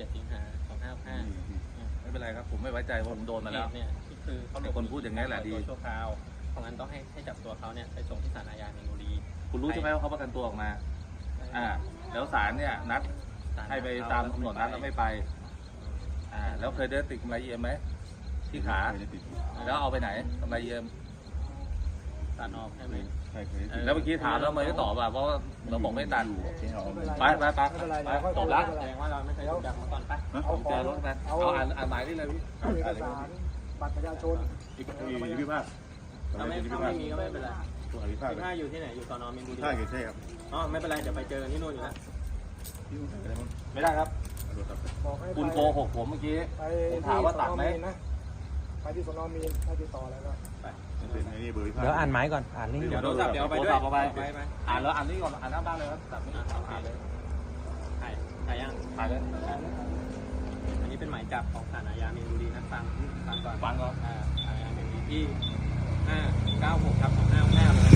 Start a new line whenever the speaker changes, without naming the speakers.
17 สิงหา 2565
ไม่เป็นไรครับผมไม่ไว้ใจผมโดนมาแล้ว
เนี่ยคือเขา
ไอ้คนพูดอย่างนี้แหละดี
ตัวชั่วคราวเพราะงั้นต้องให้จับตัวเขาเนี่ยไปส่งที่ศาลอาญามีนบุรี
คุณรู้ใช่ไหมว่าเขาประกันตัวออกมาแล้วศาลเนี่ยนัดให้ไปตามกำหนดนัดแล้วไม่ไปแล้วเคยได้ติดกำไรEMไหมที่ขาแล้วเอาไปไหนกำไรEM
ศาลออกใช่ไหม
แล้วเมื่อกี้ถามแล้วไม่ได้ตอบเพราะเราบอกไม่ตัดไปจบละ
แสดงว่าเราไม่เคยถูกจับมาก่อนไป
ผมเจอรถนะเอาอ่านหมายนี่เลยพี่
เอกสารบัตรประชาชน
พิพากษ
ถ้าไม่มีก็ไม่เป็นไร
ตัวพิพากษ
15อยู่ที่ไหนอยู่สน.มีนบุรี
ใช่ครับ
อ๋อไม่เป็นไรเดี๋ยวไปเจอกันที่นู่นอยู่แล้ว
ไม่ได้ครับ
บอกให้
คุณโกหกผมเมื่อกี้
ไป
ผมถามว่าตัดไหม
ไปที่สน.มีนให้ติดต่อแล้วก็
เป็นไอ้นี่เบอร์พิพากษ
เดี๋ยวอ่านหมายก่อน อ่านนี่
เดี๋ยวโทรศัพท์เดี๋ยวไปด้วย
เอาไป
ไป
อ่านแล้วอ่านนี่ก่อนอ่านหน้าบ้านเลยครับตัดไม่อ่านเลย
ถ่ายยัง
ถ่ายเลย
อันนี้เป็นหมายจับของศาลอาญามีนบุรีนะฟังก่อน
ฟังก่อน
ศาลอาญามีนบุรีที่596/2565